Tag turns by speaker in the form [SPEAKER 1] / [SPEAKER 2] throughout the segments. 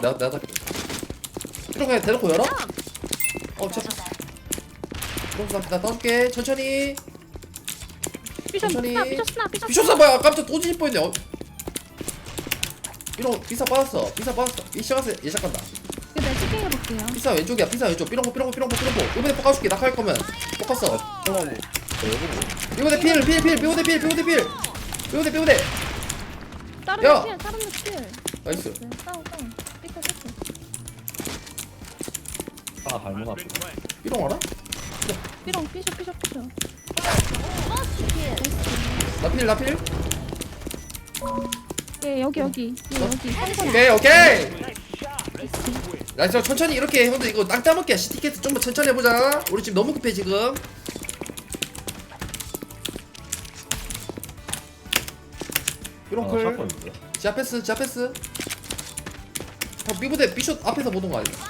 [SPEAKER 1] 내가 이런 거 대놓고 열어? 잡았어. 그럼 나 떠줄게. 천천히. 천천히. 삐졌어 뭐야? 깜짝 또 뒤질 뻔했네. 이런 비사 빠졌어. 이 시작하세요. 얘 시작한다.
[SPEAKER 2] 이거 내가 치킨 해볼게요.
[SPEAKER 1] 비사 왼쪽이야. 비사 왼쪽. 삐롱고. 이번에 poka줄게. 낙하할 거면 poka어. 이번에 필. 삐오대.
[SPEAKER 2] 다른
[SPEAKER 1] 야!
[SPEAKER 2] 애 필.
[SPEAKER 1] 나이스.
[SPEAKER 2] 다운. 삐끗.
[SPEAKER 3] 아 발목 아프.
[SPEAKER 1] 삐롱 알아?
[SPEAKER 2] 삐롱 삐셔.
[SPEAKER 1] 나필.
[SPEAKER 2] 예, 여기. 상선.
[SPEAKER 1] 오케이. 나이스. 천천히 이렇게 형들 이거 땅 따먹기야. 시티켓 좀만 천천히 해보자. 우리 지금 너무 급해 지금. 삐롱 클. 지하패스. 형 B부대 B숏 앞에서 보던 거 아니야?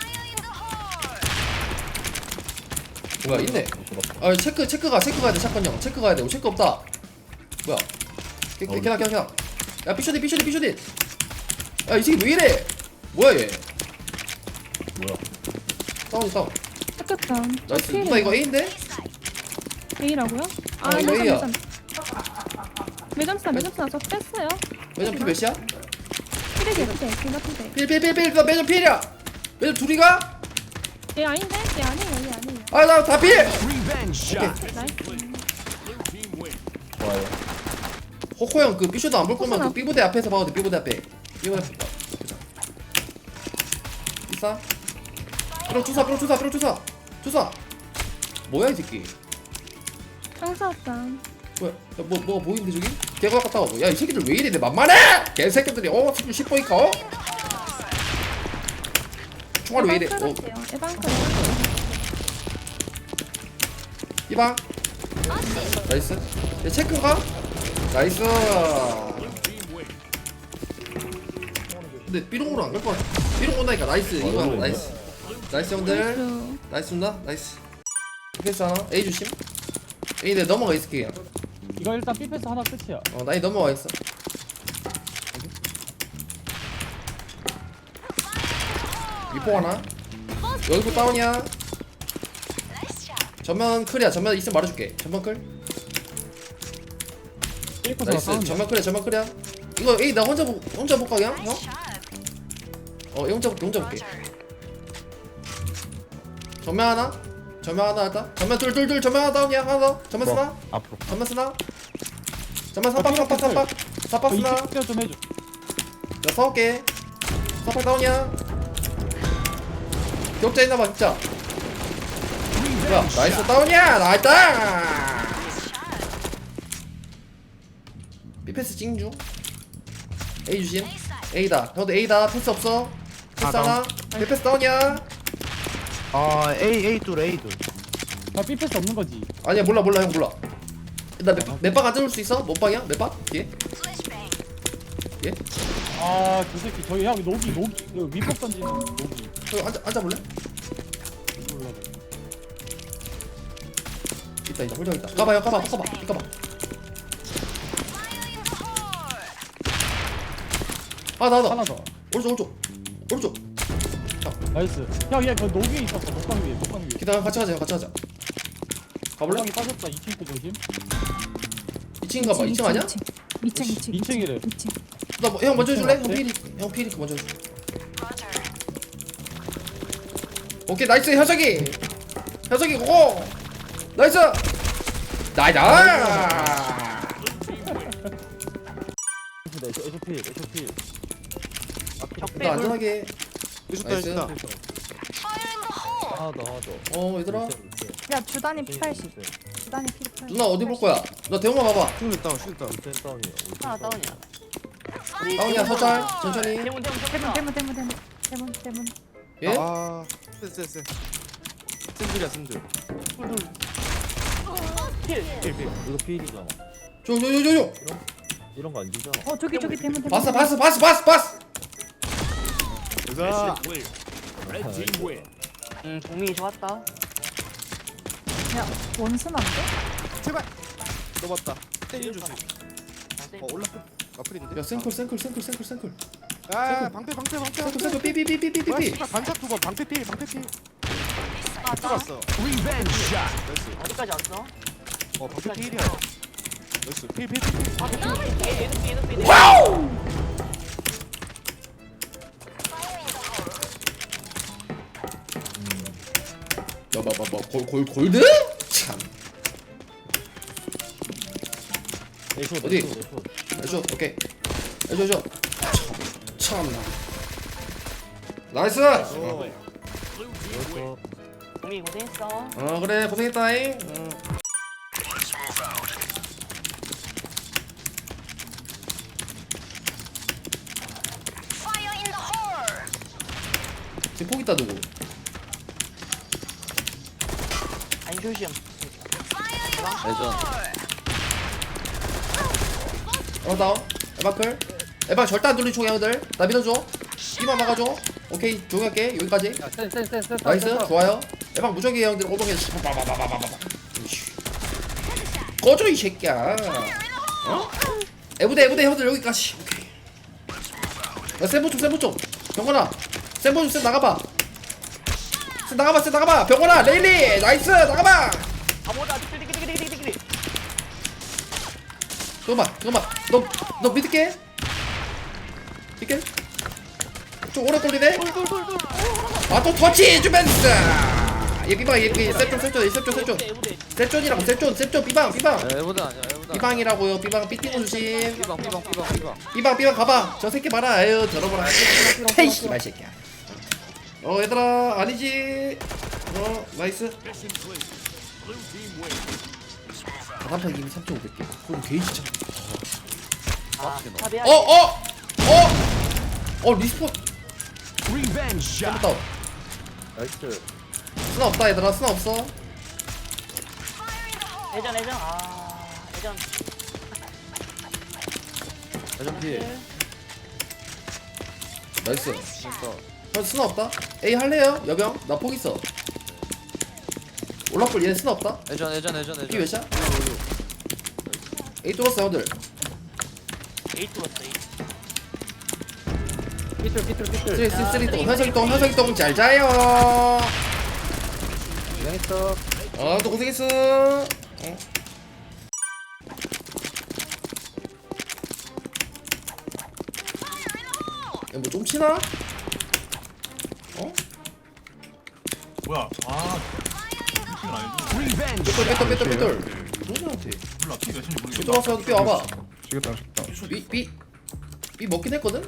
[SPEAKER 1] 뭐야 있네. 아 체크 가야 돼. 샷건 형 체크 가야 돼. 체크 없다. 뭐야? 걔나. 야 B숏이. 야 이 새끼 왜 이래? 뭐야 얘? 다운.
[SPEAKER 2] 섞였다.
[SPEAKER 1] 나이스. 누나 이거 A인데?
[SPEAKER 2] A라고요?
[SPEAKER 1] 이거 A야.
[SPEAKER 2] 매점사 저 뺐어요.
[SPEAKER 1] 매점 P 몇이야?
[SPEAKER 2] 필이지.
[SPEAKER 1] 필. 나 매점 P이야. 매점 둘이가?
[SPEAKER 2] 얘 아닌데? 얘 아니에요.
[SPEAKER 1] 아 나 다 필.
[SPEAKER 2] 나이스.
[SPEAKER 3] 좋아요.
[SPEAKER 1] 호코 형 그 B숏도 안 볼 거면 그 B부대 앞에서 봐도 돼. B부대 앞에. 비싸. 삐롱 주사. 뭐야 이 새끼?
[SPEAKER 2] 청사왔다.
[SPEAKER 1] 뭐야? 야, 뭐가 보이는데 저기? 개가 갔다 와. 야 이 새끼들 왜 이래? 내 만만해? 개새끼들이 스킬 10보이까? 총알 왜 이래?
[SPEAKER 2] 에반크.
[SPEAKER 1] 이방. 나이스. 야 체크가? 나이스. 근데 삐롱으로 안 갈 거 같아. 삐롱 온다니까. 나이스. 이방 나이스 형들. 나이스 온다. 나이스. 패스 하나. A 조심. A 내 넘어가 있을게.
[SPEAKER 3] 이거 일단 B패스 하나 끝이야.
[SPEAKER 1] 나이 넘어와 있어. 위포 하나. 여기도 다운이야. 전면 클이야. 전면 있으면 말해줄게. 전면 클. 나이스. 전면 클이야. 이거 A 나 혼자 볼까 그냥? 형? A 혼자 볼게. 전면 하나 일단. 전면 둘. 전면 하나 다운이야. 하나 더. 전면 쓰나?
[SPEAKER 3] 앞으로.
[SPEAKER 1] 전면 쓰나? 전면 삼박 쓰나?
[SPEAKER 3] 이쪽 좀 해줘.
[SPEAKER 1] 나 싸울게. 사팔 다운이야. 격자 있나봐 진짜. 뭐야 나이스 다운이야. 나이스. B패스 찡중. A 주심. A다. 형도 A다. 패스 없어. 패스 하나. B패스 다운이야.
[SPEAKER 4] A 둘.
[SPEAKER 3] 나 B패스 없는 거지.
[SPEAKER 1] 아니야 몰라 형 몰라. 나 맵방 안 잡을 수 있어? 못 방이야? 맵방? 예?
[SPEAKER 3] 아, 그 새끼 저기 형 녹이 이거 위법 던지는 녹이.
[SPEAKER 1] 형 앉아볼래?
[SPEAKER 3] 몰라.
[SPEAKER 1] 있다 홀장 있다. 까봐. 나다.
[SPEAKER 3] 하나 더.
[SPEAKER 1] 오른쪽.
[SPEAKER 3] 나이스. 형, 얘 그 녹이 있었어. 녹방 위에.
[SPEAKER 1] 기다려 같이 가자. 가볼래?
[SPEAKER 3] 형이 빠졌다. 2층 그 조심.
[SPEAKER 1] 2층 가봐. 2층 아니야?
[SPEAKER 3] 2층이래.
[SPEAKER 1] 형 먼저 해줄래?
[SPEAKER 3] 그래?
[SPEAKER 1] 형 피리크 먼저 해줘. 오케이 나이스 현석이 고고. 나이스.
[SPEAKER 3] 에쇼필.
[SPEAKER 1] 나 안전하게.
[SPEAKER 4] 있었다.
[SPEAKER 3] 하나 더.
[SPEAKER 1] 얘들아.
[SPEAKER 5] 야 주단이 P80 주단이 P80
[SPEAKER 1] 누나 어디 볼 거야? 너 대웅아 봐봐.
[SPEAKER 4] 슈트 다운.
[SPEAKER 5] 하나 다운이야
[SPEAKER 1] 다운이야 서잘 천천히.
[SPEAKER 5] 대문
[SPEAKER 1] 예?
[SPEAKER 4] 쎄. 샌들이야.
[SPEAKER 3] 이거 필이잖아.
[SPEAKER 1] 저.
[SPEAKER 3] 이런 거 안 주잖아.
[SPEAKER 5] 저기 대문
[SPEAKER 1] 봤어.
[SPEAKER 4] 가.
[SPEAKER 5] 동민이 좋았다 야 원순 안 돼?
[SPEAKER 4] 제발. 넘었다. 때려 주세요. 올라. 아프린데.
[SPEAKER 1] 야 생클.
[SPEAKER 4] 아 방패 방패 방패
[SPEAKER 1] 세트
[SPEAKER 4] 방패. 뭐야
[SPEAKER 1] 삐삐삐삐삐삐삐.
[SPEAKER 4] 씨발 반샷 두번 방패 필 방패 필.
[SPEAKER 5] 아,
[SPEAKER 4] 들어왔어.
[SPEAKER 6] 리벤지 샷.
[SPEAKER 4] 나이스.
[SPEAKER 7] 어디까지 왔어?
[SPEAKER 4] 방패 필이야. 나이스 필. 방패 필.
[SPEAKER 1] 와우. 야봐봐봐 골드? 참.
[SPEAKER 3] 에이쇼,
[SPEAKER 1] 어디?
[SPEAKER 3] 에이쇼, 에이쇼.
[SPEAKER 1] 해줘 오케이 해줘 참 나이스
[SPEAKER 7] 동이 고생했어.
[SPEAKER 1] 어 그래 고생했다잉 지금 폭 있다 누구
[SPEAKER 7] 아니 조심.
[SPEAKER 1] 다운 에바클 에바 절대 안 돌린 총이야 형들 나 믿어줘 B만 막아줘 오케이 조용히 할게 여기까지
[SPEAKER 3] 센.
[SPEAKER 1] 나이스 좋아요 에방 무적이에요 형들 오동에 꺼져 이 새끼야 어? 에부대 형들 여기까지 오케이 야 센부 좀 병건아 센부 좀 나가봐 센 나가봐 병건아 레일리 나이스 나가봐
[SPEAKER 7] 아무도 아직 띠리띠리띠리띠리.
[SPEAKER 1] 잠깐만 너 믿을게 믿게 좀 오래 걸리네 아또 터치 해주면서 얘 삐방 얘 셉존이라고 셉존 삐방
[SPEAKER 6] 에보다 아니야 에보다.
[SPEAKER 1] 삐방이라고요 삐방 삐띵고 조심
[SPEAKER 6] 삐방.
[SPEAKER 1] 삐방 봐봐 저 새끼 봐라 아유 들어보라 헤이 씨발 새끼야 얘들아 아니지 나이스 단판 이미 3,500개 그럼 게이지 참
[SPEAKER 7] 아, 탑이야.
[SPEAKER 1] 리스폰
[SPEAKER 6] 리벤지 샷.
[SPEAKER 1] 잘못다
[SPEAKER 3] 나이스.
[SPEAKER 1] 스나 없다 얘들아 스나 없어
[SPEAKER 7] 예전. 아, 예전.
[SPEAKER 6] 대전 뒤에.
[SPEAKER 1] 나이스 형 스나 없다 A 할래요 여병 나 폭 있어 올라풀 얘네 스나 없다
[SPEAKER 6] 예전.
[SPEAKER 1] B 몇 샷? A 뚫었어 형들
[SPEAKER 7] 에이트 왔어. 에이트.
[SPEAKER 3] 삐뚤.
[SPEAKER 1] 쓰리똥 현석이똥 잘 자요
[SPEAKER 3] 고생했어.
[SPEAKER 1] 또 고생했어 뭐 좀 치나?
[SPEAKER 8] 뭐야? 아, 이건 아니지.
[SPEAKER 6] 리벤지.
[SPEAKER 1] 삐뚤 누구한테
[SPEAKER 8] 몰라, 키 몇인지 모르겠어.
[SPEAKER 1] 삐뚤 왔어 삐 와봐
[SPEAKER 4] 죽였다.
[SPEAKER 1] 삐 먹긴 했거든?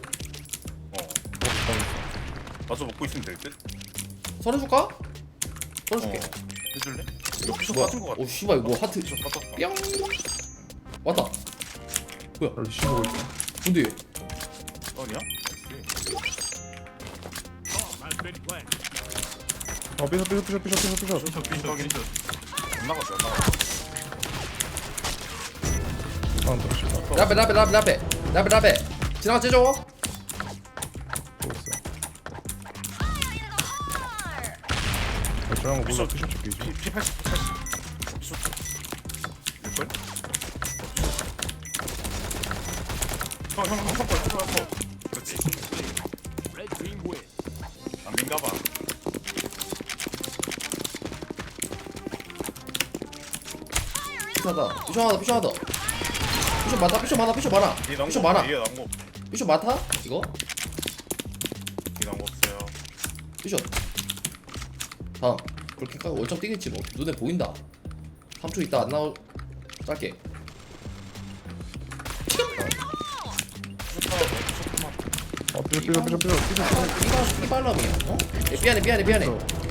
[SPEAKER 8] 나도 먹고 있으면 될 듯.
[SPEAKER 1] 서른 줄까? 서른 줄게
[SPEAKER 8] 해줄래? 이거 피셔
[SPEAKER 1] 뭐야
[SPEAKER 8] 빠진 거 같아.
[SPEAKER 1] 오 씨발 이거 하트
[SPEAKER 8] 피셔 빠졌다.
[SPEAKER 1] 뿅 왔다 뭐야
[SPEAKER 4] 씹고 있어.
[SPEAKER 1] 근데 얘
[SPEAKER 8] 아니야?
[SPEAKER 4] 삐져.
[SPEAKER 8] 피셔 피셔. 안 나갔어, 안 나갔어.
[SPEAKER 4] 다운 들어가.
[SPEAKER 1] 라베 지나가 째줘
[SPEAKER 4] 저런 거 몰라.
[SPEAKER 8] 피셔
[SPEAKER 4] 피셔 줄게.
[SPEAKER 8] 피 80. 피셔. 일걸? 형. 그렇지. 안 민가봐.
[SPEAKER 1] 피셔하다 피셔 많아
[SPEAKER 8] 이게 나온
[SPEAKER 1] 피셔
[SPEAKER 8] 거
[SPEAKER 1] 많아
[SPEAKER 8] 없어. 이게 나온 거 없어.
[SPEAKER 1] 피셔 많다? 이거?
[SPEAKER 8] 이게 나온 거 없어요.
[SPEAKER 1] 피셔 다음 그렇게 까고 월점 뛰겠지 뭐 눈에 보인다 3초 있다 안 나올 짧게
[SPEAKER 4] 삐져.
[SPEAKER 1] 이 발람이야 어? 미안해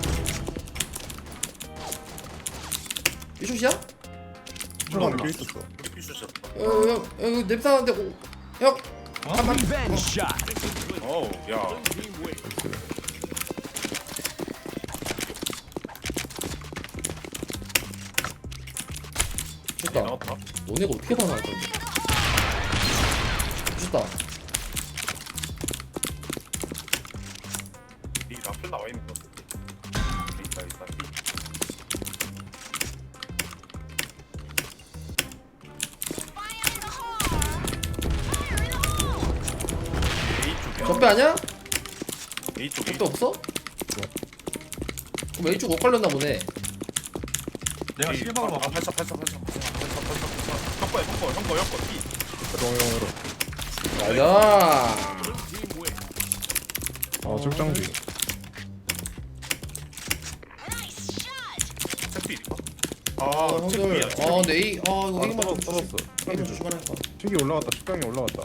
[SPEAKER 1] 피셔이야?
[SPEAKER 4] 들어가는 게 있었어.
[SPEAKER 8] 피셔.
[SPEAKER 1] 형 냄새 나는데 형 잠깐만
[SPEAKER 6] 리벤지 샷.
[SPEAKER 8] 어우, 야. 이게
[SPEAKER 1] 좋다
[SPEAKER 8] 나왔다.
[SPEAKER 1] 너네가 어떻게 반응할 건데 좋다
[SPEAKER 8] 이 앞에 나와 있는 거. 있다. A 쪽에.
[SPEAKER 1] 적배 아니야?
[SPEAKER 8] A 쪽 A
[SPEAKER 1] 적배 없어? 그럼 A쪽 못 걸렸나 보네.
[SPEAKER 8] 내가 실방으로 아 발사 형거 B
[SPEAKER 4] 영으로.
[SPEAKER 1] 가자.
[SPEAKER 4] 아 출장 중.
[SPEAKER 8] 택필이가
[SPEAKER 1] 아 형들. 아 근데 A 이거 A만 좀
[SPEAKER 4] 떨었어.
[SPEAKER 1] A만 조심하라니까.
[SPEAKER 4] 튀기 올라갔다. 출장이 올라갔다.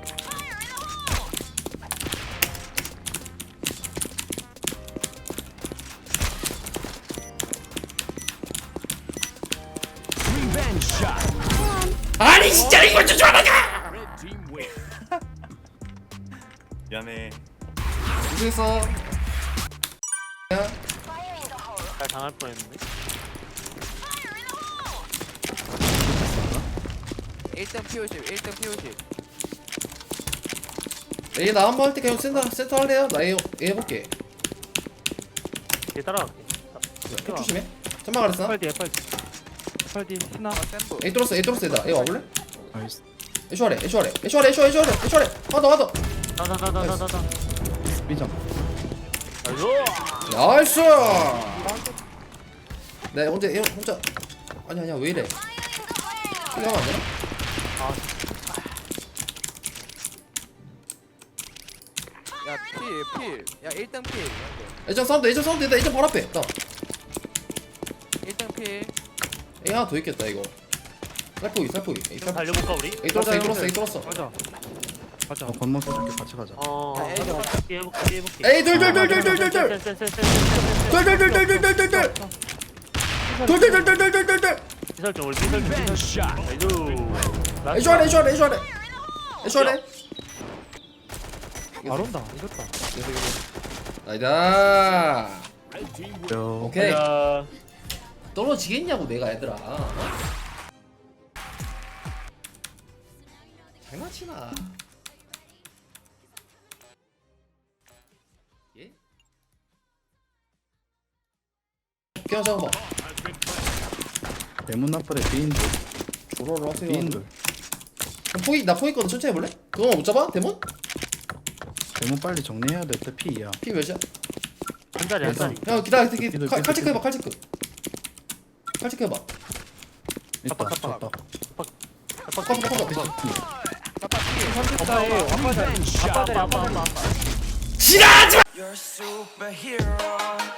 [SPEAKER 6] Revenge shot.
[SPEAKER 1] 아니 진짜 이거 조심하라니까.
[SPEAKER 6] Red team win.
[SPEAKER 8] 미안해
[SPEAKER 1] 무슨 야
[SPEAKER 7] 잘 당할 뻔했는데
[SPEAKER 6] 1등 P50 1등 P50
[SPEAKER 1] A 나 한번 할 때 그냥 센터 할래요? 나 A 해볼게.
[SPEAKER 7] 얘 따라갈게
[SPEAKER 1] 조심해. 천막 가랬어.
[SPEAKER 3] FRD FRD 신나
[SPEAKER 6] 샘프
[SPEAKER 1] A 뚫었어 얘다. A 와볼래?
[SPEAKER 4] 나이스.
[SPEAKER 1] 애쇼하래. 하나 더.
[SPEAKER 7] 나나나나나나
[SPEAKER 4] 삐장.
[SPEAKER 1] 나이스. 네 혼자 아니야 왜 이래? 이거 하면 안 되나?
[SPEAKER 6] 야 필. 야 1등 필.
[SPEAKER 1] 애전 사운드 있다. 애전 바로 앞에. 나
[SPEAKER 6] 1등 필.
[SPEAKER 1] A 하나 더 있겠다 이거. 살포기. A
[SPEAKER 7] 좀 달려볼까 우리?
[SPEAKER 1] A 뚫었어.
[SPEAKER 3] 가자
[SPEAKER 4] 건너 써줄게. 같이 가자.
[SPEAKER 6] 야, 애들
[SPEAKER 7] 해볼게
[SPEAKER 1] A 둘.
[SPEAKER 7] 피설정 우리
[SPEAKER 6] Revenge
[SPEAKER 7] 피설정
[SPEAKER 6] shot.
[SPEAKER 1] 애쇼하래.
[SPEAKER 3] 잘 온다 이겼다
[SPEAKER 1] 나이다.
[SPEAKER 6] Red team win.
[SPEAKER 1] 오케이.
[SPEAKER 7] 야
[SPEAKER 1] 떨어지겠냐고 내가 얘들아. 장난치나. 예? 그냥 잡아봐.
[SPEAKER 4] 대문 나팔에 비인들.
[SPEAKER 1] 조로로 하세요.
[SPEAKER 4] 비인들.
[SPEAKER 1] 나 포기 있거든. 천천히 해볼래? 그거만 못 잡아? 데몬?
[SPEAKER 4] 대문 빨리 정리해야 될 때 P야.
[SPEAKER 1] 피 몇이야?
[SPEAKER 7] 한 자리
[SPEAKER 1] 형 기다려.
[SPEAKER 4] 피들,
[SPEAKER 1] 칼 체크 해봐.
[SPEAKER 4] 피들.
[SPEAKER 1] 칼 체크 해봐.
[SPEAKER 4] 있다. 있다.
[SPEAKER 6] Revenge shot.
[SPEAKER 7] 아빠
[SPEAKER 1] 지나가지 마.
[SPEAKER 9] You're a superhero.